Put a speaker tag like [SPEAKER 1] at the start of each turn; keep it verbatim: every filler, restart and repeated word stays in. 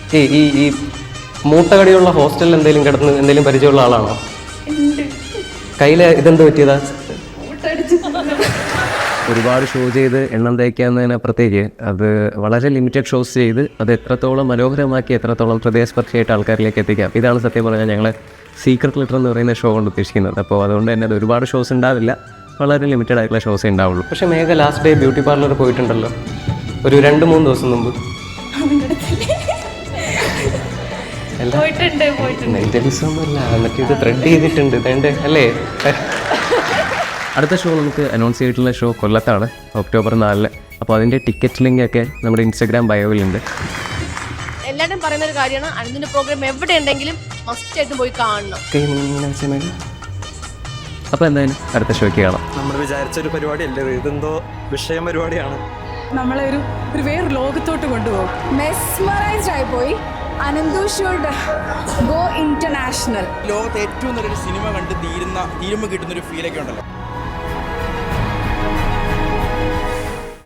[SPEAKER 1] ഈ ഈ ഈ മൂട്ടകടിയുള്ള ഹോസ്റ്റലിൽ എന്തെങ്കിലും കിടന്ന് എന്തെങ്കിലും പരിചയമുള്ള ആളാണോ? കയ്യിൽ ഇതെന്ത് പറ്റിയതാ? ഒരുപാട് ഷോ ചെയ്ത് എണ്ണം തയ്ക്കാവുന്നതിനപ്പുറത്തേക്ക് അത് വളരെ ലിമിറ്റഡ് ഷോസ് ചെയ്ത് അത് എത്രത്തോളം മനോഹരമാക്കി എത്രത്തോളം ഹൃദയസ്പർശിയായിട്ട് ആൾക്കാരിലേക്ക് എത്തിക്കാം. ഇതാണ് സത്യം പറഞ്ഞാൽ ഞങ്ങൾ സീക്രട്ട് ലിറ്റർ എന്ന് പറയുന്ന ഷോ കൊണ്ട് ഉദ്ദേശിക്കുന്നത്. അപ്പോൾ അതുകൊണ്ട് തന്നെ അത് ഒരുപാട് ഷോസ് ഉണ്ടാവില്ല, വളരെ ലിമിറ്റഡ് ആയിട്ടുള്ള ഷോസേ ഉണ്ടാവുള്ളൂ. പക്ഷേ Megha last day beauty parlour പോയിട്ടുണ്ടല്ലോ ഒരു രണ്ട് മൂന്ന് ദിവസം മുമ്പ്. മെന്റലിസമൊന്നുമല്ല, എന്നിട്ട് ഇത് ത്രെഡ് ചെയ്തിട്ടുണ്ട് വേണ്ടേ അല്ലേ? അടുത്ത ഷോ നമുക്ക് അനൗൺസ് ചെയ്തിട്ടുള്ള ഷോ കൊല്ലത്താണ്, ഒക്ടോബർ നാലിന്. അപ്പോൾ അതിൻ്റെ ടിക്കറ്റ് ലിങ്ക് ഒക്കെ നമ്മുടെ ഇൻസ്റ്റാഗ്രാം ബയോയിലുണ്ട്.
[SPEAKER 2] എല്ലാവരും പറയുന്ന ഒരു കാര്യമാണ്, അനന്തിൻ്റെ പ്രോഗ്രാം എവിടെ ഉണ്ടെങ്കിലും മസ്റ്റായിട്ടും പോയി കാണണം.
[SPEAKER 1] അപ്പോൾ എന്തായാലും അടുത്ത ഷോയ്ക്ക് കാണാം.
[SPEAKER 3] നമ്മൾ വിചാരിച്ചൊരു പരിപാടിയല്ലേ, ഇതെന്തോ വിഷയം പരിപാടിയാണ്.
[SPEAKER 4] നമ്മളെ ഒരു ഒരു വേറെ ലോകത്തോട്ട് കൊണ്ടുപോകും.
[SPEAKER 5] മെസ്മറൈസ്ഡ് ആയി പോയി. Ananthu should go international.
[SPEAKER 6] ലോകത്ത് ഏറ്റവും നല്ലൊരു സിനിമ കണ്ട് തീരുന്ന തീരുമ്പോൾ കിട്ടുന്നൊരു ഫീലൊക്കെ ഉണ്ടല്ലോ.